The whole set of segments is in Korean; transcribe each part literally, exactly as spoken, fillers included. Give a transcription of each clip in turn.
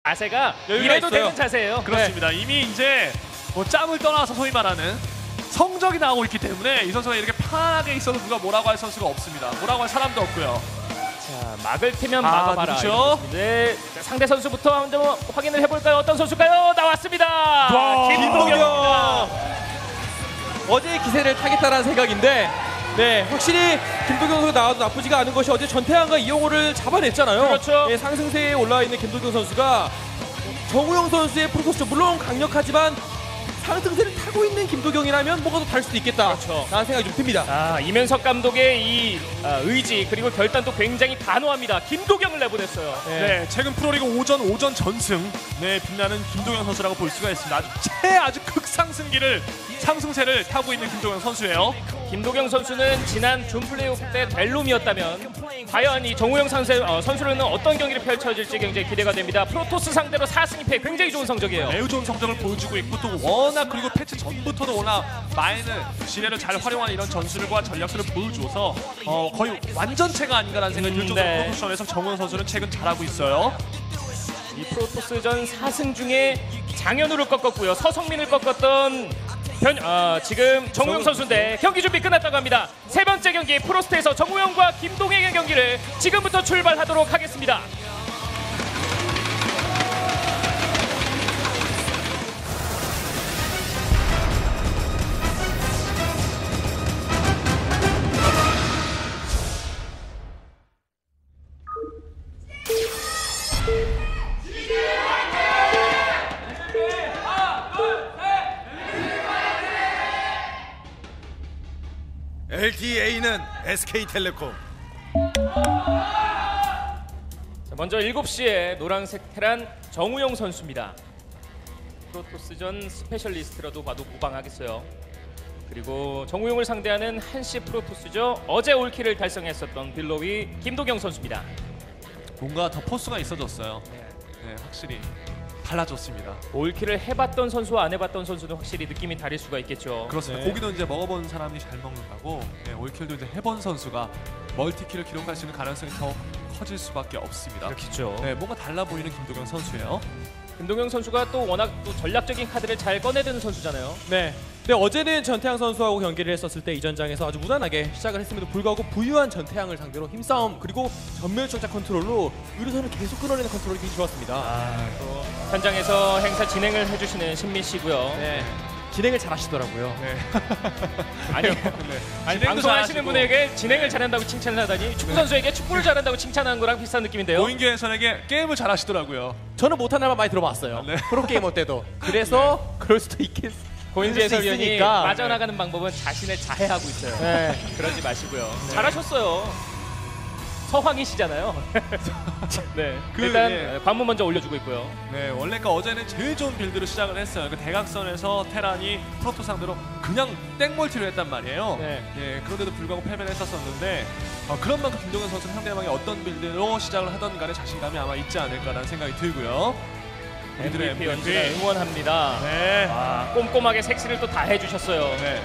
자세가 이래도 있어요. 되는 자세예요. 그렇습니다. 네. 이미 이제 뭐 짬을 떠나서 소위 말하는 성적이 나오고 있기 때문에 이 선수가 이렇게 편하게 있어도 누가 뭐라고 할 선수가 없습니다. 뭐라고 할 사람도 없고요. 자, 막을 테면 아, 막아봐라. 그렇죠? 네, 자, 상대 선수부터 한번 확인을 해볼까요? 어떤 선수일까요? 나왔습니다. 와, 김도경. 어제 기세를 타겠다라는 생각인데, 네, 확실히 김도경 선수 나와도 나쁘지가 않은 것이 어제 전태환과 이영호를 잡아냈잖아요. 그렇죠. 네, 상승세에 올라와 있는 김도경 선수가 정우영 선수의 프로토스 물론 강력하지만 상승세를 타고 있는 김도경이라면 뭐가 더 다를 수도 있겠다. 그렇죠. 라는 생각이 좀 듭니다. 아, 이면석 감독의 이 아, 의지 그리고 결단도 굉장히 단호합니다. 김도경을 내보냈어요. 네, 네 최근 프로리그 오전 오전 전승 네 빛나는 김도경 선수라고 볼 수가 있습니다. 아주 최 아주 극상승기를 상승세를 타고 있는 김도경 선수예요. 김도경 선수는 지난 준 플레이오프 때 델룸이었다면 과연 이 정우영 선수, 어, 선수로는 어떤 경기를 펼쳐질지 굉장히 기대가 됩니다. 프로토스 상대로 사 승 이 패 굉장히 좋은 성적이에요. 매우 좋은 성적을 보여주고 있고 또 워낙 그리고 패치 전부터도 워낙 마인을 지뢰를 잘 활용하는 이런 전술과 전략들을 보여줘서 어, 거의 완전체가 아닌가라는 생각이 들 정도로 네. 프로토션에서 정우영 선수는 최근 잘하고 있어요. 이 프로토스전 사 승 중에 장현우를 꺾었고요. 서성민을 꺾었던 변, 어, 지금 정우영 선수인데 경기 준비 끝났다고 합니다. 세 번째 경기 프로스트에서 정우영과 김동행의 경기를 지금부터 출발하도록 하겠습니다. 엘티에이는 에스케이텔레콤. 자, 먼저 일곱 시에 노란색 테란 정우영 선수입니다. 프로토스전 스페셜리스트라도 봐도 무방하겠어요. 그리고 정우영을 상대하는 한시 프로토스죠. 어제 올킬을 달성했었던 빌로위 김도경 선수입니다. 뭔가 더 포스가 있어졌어요. 네, 확실히 달라졌습니다. 올킬을 해봤던 선수와 안 해봤던 선수는 확실히 느낌이 다를 수가 있겠죠. 그렇습니다. 네. 고기도 이제 먹어본 사람이 잘 먹는 거고 네, 올킬도 이제 해본 선수가 멀티킬을 기록할 수 있는 가능성이 더 커질 수밖에 없습니다. 그렇죠. 네, 뭔가 달라 보이는 김도경 선수예요. 김동영 선수가 또 워낙 또 전략적인 카드를 잘 꺼내드는 선수잖아요. 네. 근데 어제는 전태양 선수하고 경기를 했었을 때 이전장에서 아주 무난하게 시작을 했음에도 불구하고 부유한 전태양을 상대로 힘싸움 그리고 전멸적자 컨트롤로 의료선을 계속 끌어내는 컨트롤이 굉장히 좋았습니다. 아, 또 현장에서 행사 진행을 해주시는 신민 씨고요. 네. 진행을 잘 하시더라고요. 네. 아니, 네. 아니 진행도 방송하시는 잘하시고. 분에게 진행을 잘한다고 칭찬을 하다니 축구 선수에게 축구를 잘한다고 칭찬하는 거랑 비슷한 느낌인데요. 고인규 해설에게 게임을 잘 하시더라고요. 저는 못하는 말 많이 들어봤어요. 네. 프로게이머 때도. 그래서 그럴 수도 있겠 고인지 그럴 수 해설위원이 있으니까. 빠져나가는 방법은 자신을 자해하고 있어요. 네. 그러지 마시고요. 잘하셨어요. 서황이시잖아요. 네. 그, 일단 예. 관문 먼저 올려주고 있고요. 네, 원래 그 어제는 제일 좋은 빌드로 시작을 했어요. 그 대각선에서 테란이 프로토 상대로 그냥 땡멀티를 했단 말이에요. 네. 예, 그런데도 불구하고 패배를 했었었는데 어, 그런 만큼 김동현 선수는 상대방이 어떤 빌드로 시작을 하던 간에 자신감이 아마 있지 않을까라는 생각이 들고요. 우리들의 엠브이피 연주가 엠브이피. 응원합니다. 네. 아, 꼼꼼하게 섹시를 또 다 해주셨어요. 네.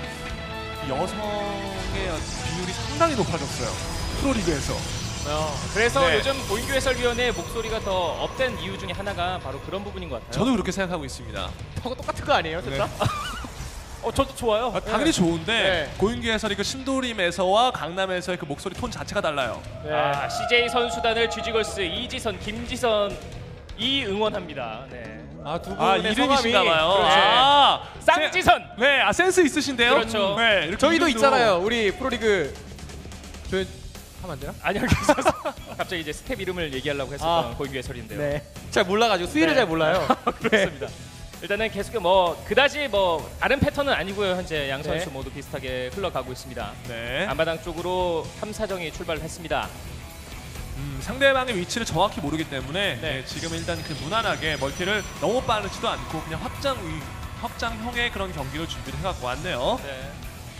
여성의 비율이 상당히 높아졌어요. 프로리그에서. 어, 그래서 네. 요즘 고인규 해설위원의 목소리가 더 업된 이유 중에 하나가 바로 그런 부분인 것 같아요. 저도 그렇게 생각하고 있습니다. 저거 똑같은 거 아니에요, 진짜? 네. 어, 저도 좋아요. 아, 당연히 좋은데 네. 고인규 해설이 그 신도림에서와 강남에서의 그 목소리 톤 자체가 달라요. 네. 아, 씨제이 선수단을 쥐지걸스 이지선, 김지선 이 응원합니다. 네. 아, 두 아, 분의 이름이신가 봐요. 그렇죠. 아, 쌍지선. 세, 네, 아 센스 있으신데요? 그렇죠. 네, 이렇게 저희도 이름도- 있잖아요. 우리 프로리그 저 하면 안 되나? 아니요, 괜찮아요. 갑자기 이제 스텝 이름을 얘기하려고 했었던 아. 고인규 해설인데요. 네. 잘 몰라가지고 수위를 네. 잘 몰라요. 그렇습니다. 일단은 계속 뭐 그다지 뭐 다른 패턴은 아니고요. 현재 양 선수 네. 모두 비슷하게 흘러가고 있습니다. 네. 앞마당 쪽으로 탐사정이 출발을 했습니다. 음, 상대방의 위치를 정확히 모르기 때문에 네. 네, 지금 일단 그 무난하게 멀티를 너무 빠르지도 않고 그냥 확장 위, 확장형의 그런 경기를 준비를 해갖고 왔네요. 네.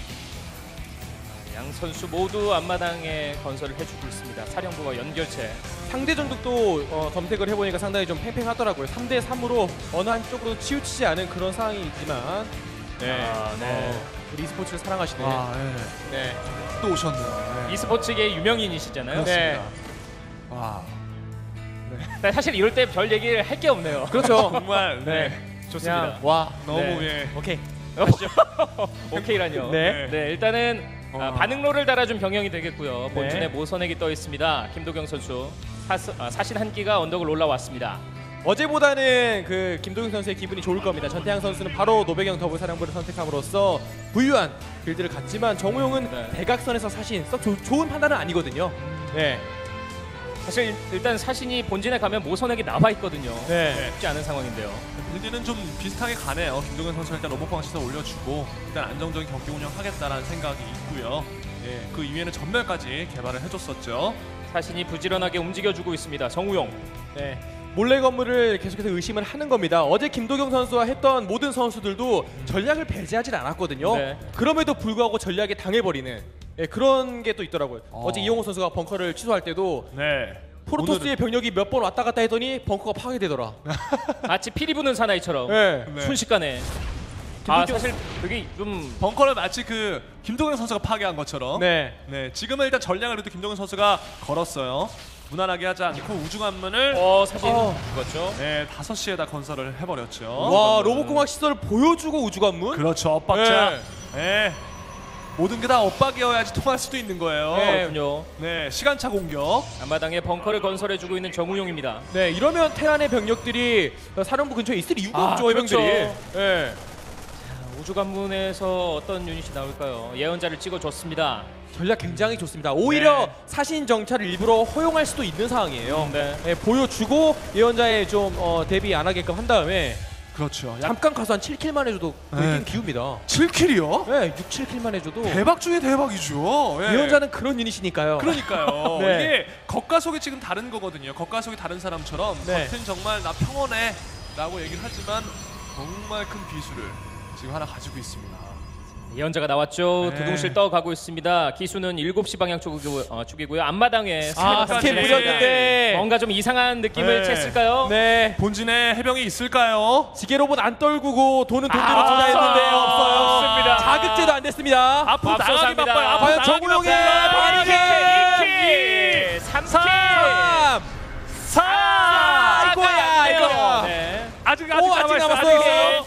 양 선수 모두 앞마당에 건설을 해주고 있습니다. 사령부와 연결체. 상대 전tuk도 어, 검색을 해보니까 상당히 좀 팽팽하더라고요. 삼 대 삼으로 어느 한쪽으로 치우치지 않은 그런 상황이 있지만 네. 아, 네. 어, 우리 e스포츠를 사랑하시네. 와, 네. 네. 또 오셨네요. 네. e스포츠계 유명인이시잖아요. 네. 와. 네, 사실 이럴 때 별 얘기를 할 게 없네요. 그렇죠. 정말 네. 네. 좋습니다. 그냥 와. 너무 네. 예. 오케이. 오케이라뇨. 네. 네, 일단은 아, 어. 반응로를 달아준 병영이 되겠고요. 본진에 네. 모선액이 떠 있습니다. 김도경 선수 사스, 아, 사신 한 끼가 언덕을 올라왔습니다. 어제보다는 그 김도경 선수의 기분이 좋을 겁니다. 전태양 선수는 바로 노배경 더블 사령부를 선택함으로써 부유한 빌드를 갖지만 정우용은 네. 대각선에서 사실 썩 조, 좋은 판단은 아니거든요. 네. 사실 일단 사신이 본진에 가면 모선액이 나와 있거든요. 네. 쉽지 않은 상황인데요. 빌드는 좀 비슷하게 가네요. 김동현 선수 일단 로봇광 시설 올려주고 일단 안정적인 경기 운영하겠다라는 생각이 있고요. 예, 그 이후에는 전멸까지 개발을 해줬었죠. 사신이 부지런하게 움직여주고 있습니다. 정우용. 네. 몰래 건물을 계속해서 의심을 하는 겁니다. 어제 김도경 선수와 했던 모든 선수들도 전략을 배제하진 않았거든요. 네. 그럼에도 불구하고 전략에 당해버리는 예, 그런 게 또 있더라고요. 어. 어. 제 이용호 선수가 벙커를 취소할 때도 네. 프로토스의 병력이 몇 번 왔다 갔다 했더니 벙커가 파괴되더라. 마치 피리 부는 사나이처럼 네. 네. 순식간에. 아 김도경- 사실 그게 좀 벙커를 마치 그 김동현 선수가 파괴한 것처럼. 네. 네, 지금은 일단 전략을 그래도 김동현 선수가 걸었어요. 무난하게 하지 않고 우주관문을 어, 사진 어. 죽었죠. 네, 다섯 시에다 건설을 해버렸죠. 와 로봇공학 시설을 보여주고 우주관문. 그렇죠, 엇박자. 네. 모든 게 다 엇박이어야지 통할 수도 있는 거예요. 네. 그렇군요. 네, 시간차 공격. 앞마당에 벙커를 건설해주고 있는 정우용입니다. 네 이러면 테란의 병력들이 사령부 근처에 있을 이유가 아, 없죠. 그렇죠. 해병들이. 네. 우주관문에서 어떤 유닛이 나올까요? 예언자를 찍어줬습니다. 전략 굉장히 좋습니다. 오히려 네. 사신 정찰을 일부러 허용할 수도 있는 상황이에요. 네. 네, 보여주고 예언자에 좀 어, 대비 안 하게끔 한 다음에 그렇죠. 약 잠깐 가서 한 칠 킬만 해줘도 거의 네. 게임 기웁니다. 칠 킬이요? 네, 육, 칠 킬만 해줘도 대박 중에 대박이죠. 예. 예언자는 그런 유닛이니까요. 그러니까요. 네. 이게 겉과 속이 지금 다른 거거든요. 겉과 속이 다른 사람처럼 네. 겉은 정말 나 평온해 라고 얘기를 하지만 정말 큰 비수를 지금 하나 가지고 있습니다. 예언자가 나왔죠. 네. 두둥실 떠가고 있습니다. 기수는 일곱 시 방향 쪽이고, 어, 쪽이고요. 앞마당에 아, 스캔까지. 스캔 뿌렸는데 뭔가 좀 이상한 느낌을 네. 챘을까요? 네. 본진에 해병이 있을까요? 지게 로봇 안 떨구고 돈은 돈대로 아, 투자했는데 없어요. 없어요. 없습니다. 자극제도 안 됐습니다. 앞으로 나가기 앞서갑니다. 바빠요. 앞으로 과연 나가기 정우용의 바빠요. 바리케! 이 킬! 삼 킬! 삼! 사! 아, 이거야, 이거. 네. 아직 아직 오, 아직 남아있어요. 남았어요. 아직 있어요.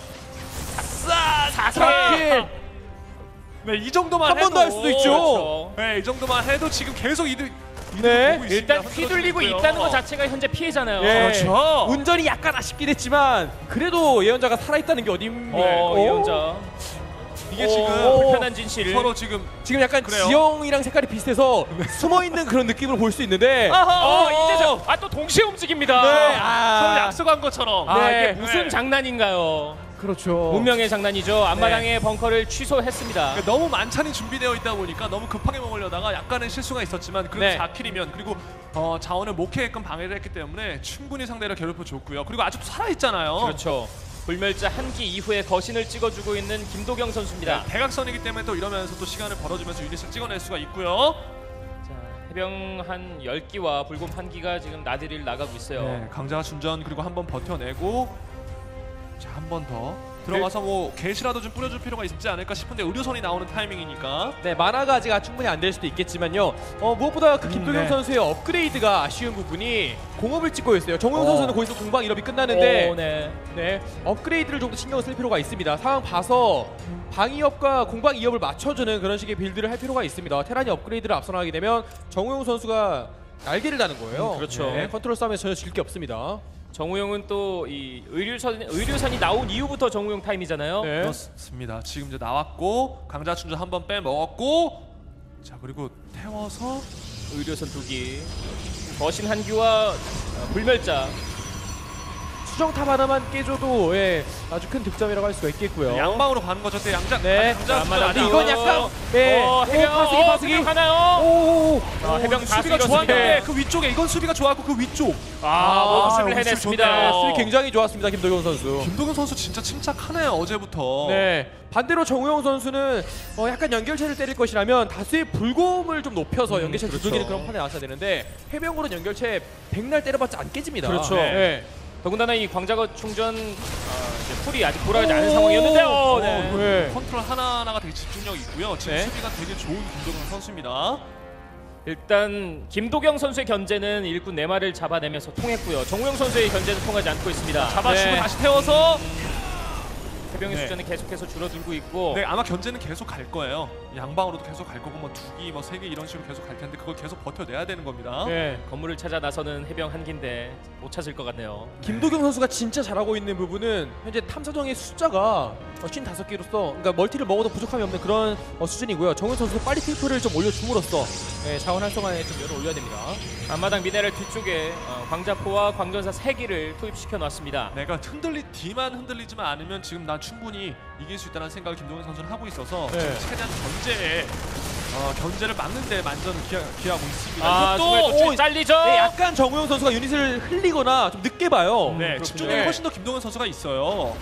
사 사 킬! 네, 이 정도만 한 번 더 할 수도 있죠. 그렇죠. 네, 이 정도만 해도 지금 계속 이득 네. 보고 있습니다. 일단 흔들어주고 휘둘리고 있고요. 있다는 것 자체가 현재 피해잖아요. 예. 그렇죠. 운전이 약간 아쉽긴 했지만 그래도 예언자가 살아있다는 게 어딥니까? 어, 오. 예언자. 이게 오. 지금 불편한 진실. 서로 지금 지금 약간 그래요? 지형이랑 색깔이 비슷해서 숨어있는 그런 느낌을 볼 수 있는데 어, 이제 저, 아, 또 동시에 움직입니다. 네, 서로 아, 약속한 것처럼. 아, 네. 이게 무슨 네. 장난인가요? 그렇죠. 운명의 장난이죠. 앞마당에 벙커를 취소했습니다. 그러니까 너무 만찬이 준비되어 있다 보니까 너무 급하게 먹으려다가 약간의 실수가 있었지만 그래도 네. 사 킬이면 그리고 어, 자원을 목회게끔 방해를 했기 때문에 충분히 상대를 괴롭혀줬고요. 그리고 아직도 살아있잖아요. 그렇죠. 불멸자 한 기 이후에 거신을 찍어주고 있는 김도경 선수입니다. 네, 대각선이기 때문에 또 이러면서 또 시간을 벌어주면서 유닛을 찍어낼 수가 있고요. 자, 해병 한 열 기와 불곰 한 기가 지금 나들이를 나가고 있어요. 네, 강자가 준전 그리고 한 번 버텨내고 자, 한 번 더 들어가서 뭐 게시라도 좀 뿌려줄 필요가 있지 않을까 싶은데 의료선이 나오는 타이밍이니까 네, 만화가 아직 충분히 안 될 수도 있겠지만요. 어, 무엇보다 그 김도경 네. 선수의 업그레이드가 아쉬운 부분이 공업을 찍고 있어요. 정우영 어. 선수는 거기서 공방 일업이 끝나는데 오, 네. 네, 업그레이드를 좀 더 신경을 쓸 필요가 있습니다. 상황 봐서 방이업과 공방 이업을 맞춰주는 그런 식의 빌드를 할 필요가 있습니다. 테란이 업그레이드를 앞서 나가게 되면 정우영 선수가 날개를 다는 거예요. 음, 그렇죠. 네, 컨트롤 싸움에서 전혀 질 게 없습니다. 정우영은 또 이 의료선 의료선이 나온 이후부터 정우영 타임이잖아요. 네. 그렇습니다. 지금 이제 나왔고 강자 충전 한 번 빼먹었고 자 그리고 태워서 의료선 두 기. 거신 한 기와 어, 불멸자. 수정탑 하나만 깨줘도 예, 아주 큰 득점이라고 할 수가 있겠고요. 양방으로 가는 거죠. 때 양자 네. 강자 자, 충전 맞아. 아직 근데 이건 약간 네. 어, 오, 해병 파스기 어, 파스기. 해병 가나요? 오. 어, 해병 다 수비가 쓸었습니다. 좋았는데 그 위쪽에 이건 수비가 좋았고 그 위쪽 아, 모습을 모습 해냈습니다. 좋네요. 수비 굉장히 좋았습니다. 김도경 선수. 김동현 선수 진짜 침착하네요 어제부터. 네. 반대로 정우영 선수는 어, 약간 연결체를 때릴 것이라면 다수의 불곰을 좀 높여서 연결체 그렇죠. 두들기는 그런 판에 나왔어야 되는데 해병으로는 연결체 백날 때려봤자 안 깨집니다. 그렇죠. 네. 더군다나 이 광자거 충전 아, 이제 풀이 아직 돌아가지 않은 상황이었는데요. 어, 네. 네. 컨트롤 하나하나가 되게 집중력 있고요. 지금 네. 수비가 되게 좋은 김동현 선수입니다. 일단 김도경 선수의 견제는 일꾼 네 마리를 잡아내면서 통했고요. 정우영 선수의 견제는 통하지 않고 있습니다. 잡아주고 네. 다시 태워서 해병의 네. 숫자는 계속해서 줄어들고 있고 네, 아마 견제는 계속 갈 거예요. 양방으로도 계속 갈 거고 뭐 두 기, 뭐 세 기 이런 식으로 계속 갈 텐데 그걸 계속 버텨내야 되는 겁니다. 네. 건물을 찾아 나서는 해병 한 기인데 못 찾을 것 같네요. 김도경 선수가 진짜 잘하고 있는 부분은 현재 탐사정의 숫자가 오십오 개로서 그러니까 멀티를 먹어도 부족함이 없는 그런 어, 수준이고요. 정훈 선수도 빨리 트리플을 좀 올려줌으로써 네, 자원 활성화에 좀 열을 올려야 됩니다. 앞마당 미네랄 뒤쪽에 어, 광자포와 광전사 세 기를 투입시켜 놨습니다. 내가 흔들리 D만 흔들리지만 않으면 지금 난 충분히 이길 수 있다는 생각을 김동현 선수는 하고 있어서 네. 지금 최대한 견제에 어, 견제를 막는데 만전을 기하, 기하고 있습니다. 아, 이것도 또 잘리죠. 네, 약간 정우영 선수가 유닛을 흘리거나 좀 늦게 봐요. 네, 그렇군요. 집중력이 네. 훨씬 더 김동현 선수가 있어요.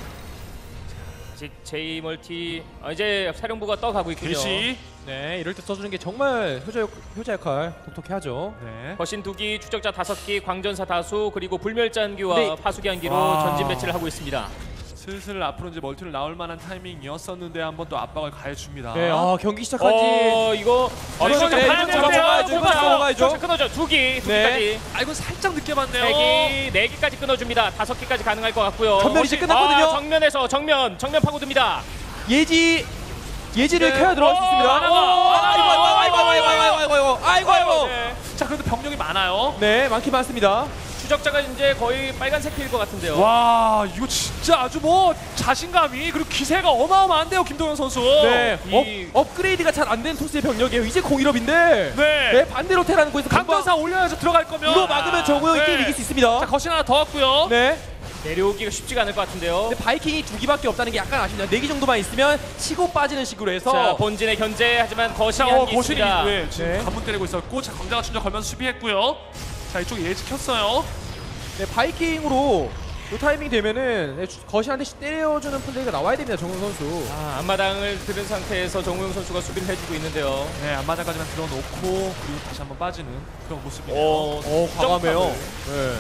아직 제이 멀티 아, 이제 사령부가 떠가고 있군요. 개시. 네, 이럴 때 써주는 게 정말 효자, 역, 효자 역할 독특해 하죠. 네. 거신 두 기, 추적자 다섯 기, 광전사 다수 그리고 불멸자한기와 네. 파수기 한기로 와. 전진 배치를 하고 있습니다. 슬슬 앞으로 이제 멀티를 나올 만한 타이밍이었었는데 한번 또 압박을 가해줍니다. 네, 아, 경기 시작한 지 어 이거 어, 이건 추적자 네, 하나 이건 끊어져요. 넘어가야죠. 이건 넘어가야죠. 추적자 끊어져 두 기, 두 네. 기까지. 아, 이건 살짝 늦게 봤네요. 세 기, 네 기까지 끊어줍니다. 다섯 기까지 가능할 것 같고요. 전면 이제 끝났거든요. 아, 정면에서 정면, 정면 파고듭니다. 예지 예지를 네. 켜야 들어갈 수 어, 있습니다. 하나가, 어, 하나가. 아이고 아이고 아이고 아이고 아이고 아이고 아이고 아이고 아이고. 네. 자, 그래도 병력이 많아요. 네, 많긴 많습니다. 추적자가 이제 거의 빨간색 필 것 같은데요. 와, 이거 진짜 아주 뭐 자신감이 그리고 기세가 어마어마한데요, 김동현 선수. 네, 이- 업, 업그레이드가 잘 안 된 토스의 병력이에요. 이제 공일업인데. 네. 네, 반대로 테라는 곳에서 강전사 올려야죠. 들어갈 거면. 이거 막으면 정우영이 네. 게임 이길 수 있습니다. 자, 거신 하나 더 왔고요. 네. 내려오기가 쉽지가 않을 것 같은데요. 근데 바이킹이 두 기밖에 없다는 게 약간 아쉽네요. 네 기 정도만 있으면 치고 빠지는 식으로 해서 자, 본진의 견제 하지만 거신이 자, 어, 한기 거신이 있습니다. 네, 지금 네. 관문 때리고 있었고, 자, 광자가 충전 걸면서 수비했고요. 자, 이쪽에 예지 켰어요. 네, 바이킹으로 이 타이밍 되면은 네, 거신한테 때려주는 플레이가 나와야 됩니다. 정우영 선수. 아, 앞마당을 들은 상태에서 정우영 선수가 수비를 해주고 있는데요. 네, 앞마당까지만 들어놓고 그리고 다시 한번 빠지는 그런 모습이네요. 오, 어, 과감해요. 네.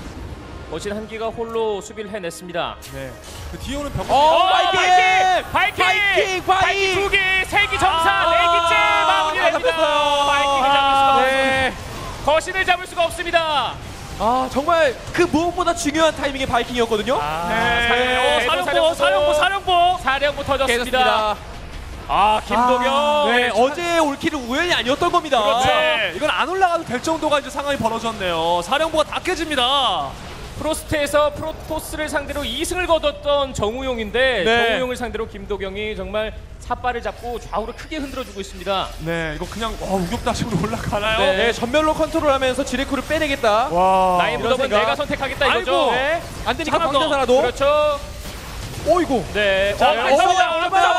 거신 한기가 홀로 수비를 해냈습니다. 네. 그 뒤에 오는 병력. 어, 바이킹! 바이킹! 바이킹! 바이킹 바이킹! 두 기, 세 기 점사, 아, 네 기째 마무리됩니다. 잡혔어요. 바이킹을 잡을 수가 없습니다. 네. 거신을 잡을 수가 없습니다. 아, 정말 그 무엇보다 중요한 타이밍의 바이킹이었거든요. 아, 네. 사령부, 어, 사령부, 사령부, 사령부. 사령부 터졌습니다. 깨졌습니다. 아, 김도경. 아, 네, 어제 올킬은 우연이 아니었던 겁니다. 그렇죠. 네, 이건 안 올라가도 될 정도가 이제 상황이 벌어졌네요. 사령부가 다 깨집니다. 프로스트에서 프로토스를 상대로 이 승을 거뒀던 정우용인데 네. 정우용을 상대로 김도경이 정말 삿발을 잡고 좌우로 크게 흔들어주고 있습니다. 네, 이거 그냥 와, 우격다짐으로 올라가나요? 네. 네, 전멸로 컨트롤하면서 지레쿠를 빼내겠다. 와. 나의 이런 무덤은 생각. 내가 선택하겠다 이거죠. 아이고. 네, 안 되니까 하나 더. 광전사라도. 그렇죠. 오이고. 네. 자, 어, 감사합니다. 어, 감사합니다.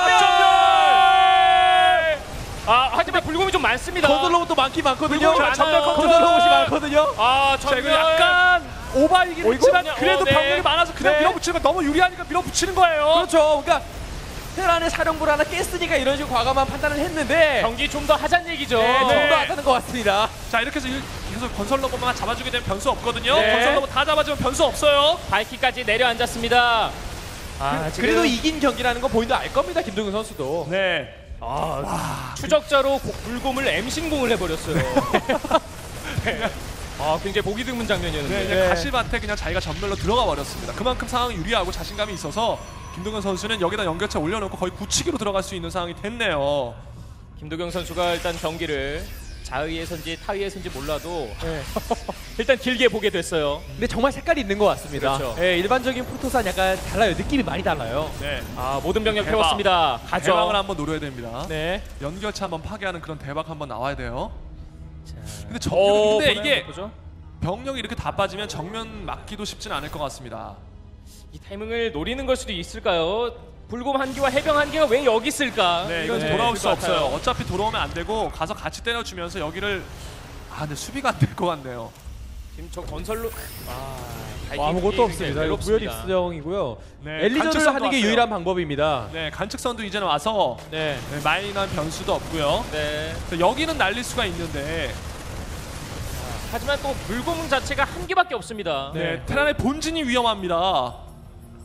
정말. 아, 하지만 불곰이 좀 많습니다. 건설 로봇도 많긴 많거든요. 불곰이 많아요. 전멸 건설 로봇이 많거든요. 아, 자, 이거 전멸. 약간 오바이긴 어이구? 했지만 그래도 어, 네. 병력이 많아서 그냥 네. 밀어붙이는 거 너무 유리하니까 밀어붙이는 거예요. 그렇죠. 그러니까 테란의 사령부를 하나 깼으니까 이런 식으로 과감한 판단을 했는데 경기 좀 더 하자는 얘기죠. 네, 네. 좀더 하다는 것 같습니다. 자, 이렇게 해서 일- 계속 건설 로봇만 잡아주게 되면 변수 없거든요. 네. 건설 로봇 다 잡아주면 변수 없어요. 발키까지 내려앉았습니다. 아, 지금 그래도 이긴 경기라는 거 본인도 알 겁니다. 김동현 선수도. 네. 아, 추적자로 고- 불곰을 엠신공을 해버렸어요. 네. 아, 굉장히 보기 드문 네, 장면이었는데. 이제 네. 가시밭에 그냥 자기가 전멸로 들어가 버렸습니다. 그만큼 상황이 유리하고 자신감이 있어서 김동현 선수는 여기다 연결체 올려놓고 거의 굳히기로 들어갈 수 있는 상황이 됐네요. 김도경 선수가 일단 경기를 자의에선지 타의에선지 몰라도 네. 일단 길게 보게 됐어요. 근데 정말 색깔이 있는 것 같습니다. 그렇죠. 네, 일반적인 프로토스는 약간 달라요. 느낌이 많이 달라요. 네. 아, 모든 병력 대박. 태웠습니다. 가죠. 대박을 한번 노려야 됩니다. 네. 연결체 한번 파괴하는 그런 대박 한번 나와야 돼요. 근데 정 어, 근데 보나요? 이게 보죠? 병력이 이렇게 다 빠지면 정면 막기도 쉽진 않을 것 같습니다. 이 타이밍을 노리는 걸 수도 있을까요? 불곰 한기와 해병 한기가 왜 여기 있을까? 네, 이건 네, 돌아올 있을 수 것 같아요. 없어요. 어차피 돌아오면 안 되고 가서 같이 때려주면서 여기를 아, 근데 수비가 안 될 것 같네요. 지금 저 건설로 아, 뭐 아무것도 없습니다. 이거 무혈 입수정이고요. 네, 엘리전을 관측선도 하는 게 왔어요. 유일한 방법입니다. 네, 관측선도 이제는 와서 네. 네, 마이너한 변수도 없고요. 네. 그래서 여기는 날릴 수가 있는데 하지만 또 불곰 자체가 한 개밖에 없습니다. 네, 네. 테란의 본진이 위험합니다.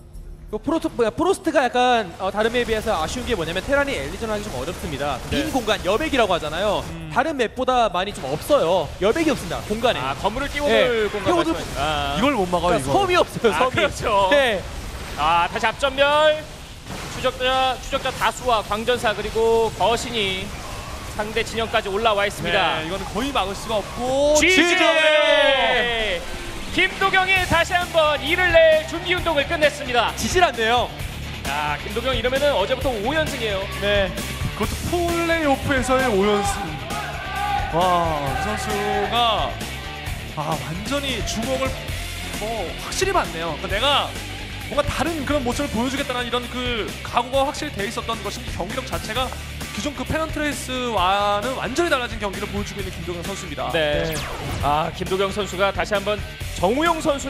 그 프로토, 뭐야, 프로스트가 약간 어, 다른 맵에 비해서 아쉬운 게 뭐냐면 테란이 엘리전하기 좀 어렵습니다. 네. 빈 공간, 여백이라고 하잖아요. 음. 다른 맵보다 많이 좀 없어요. 여백이 없습니다. 공간에. 아 건물을 띄워놓을 네. 공간 띄워둘- 말씀하시는 아. 이걸 못 막아요, 그러니까 이거. 섬이 없어요. 아, 섬이. 그렇죠. 네. 아 다시 앞전멸 추적자 추적자 다수와 광전사 그리고 거신이 상대 진영까지 올라와 있습니다. 네, 이거는 거의 막을 수가 없고 지지! 지지! 김도경이 다시 한번 이를 낼 준비 운동을 끝냈습니다. 지질 않네요. 자 김도경 이러면은 어제부터 오 연승이에요. 네. 그것도 플레이오프에서의 오 연승. 와, 이 선수가 아 완전히 주먹을 뭐 확실히 받네요. 그러니까 내가 뭔가 다른 그런 모습을 보여주겠다는 이런 그 각오가 확실히 돼 있었던 것이 경기력 자체가 기존 그 페넌트레이스와는 완전히 달라진 경기를 보여주고 있는 김도경 선수입니다. 네. 아 김도경 선수가 다시 한번 정우영 선수